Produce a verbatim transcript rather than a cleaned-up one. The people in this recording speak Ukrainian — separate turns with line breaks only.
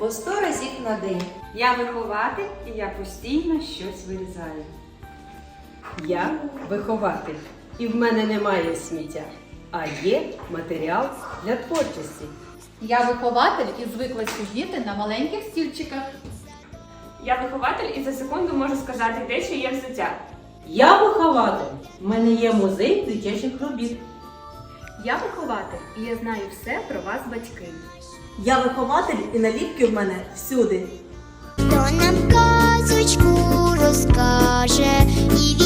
по сто разів на день.
Я вихователь і я постійно щось вирізаю.
Я вихователь, і в мене немає сміття, а є матеріал для творчості.
Я вихователь і звикла сидіти на маленьких стільчиках.
Я вихователь і за секунду можу сказати, де що є взуття.
Я вихователь. У мене є музей дитячих робіт.
Я вихователь, і я знаю все про вас, батьки.
Я вихователь, і наліпки в мене всюди.
Хто нам казочку розкаже і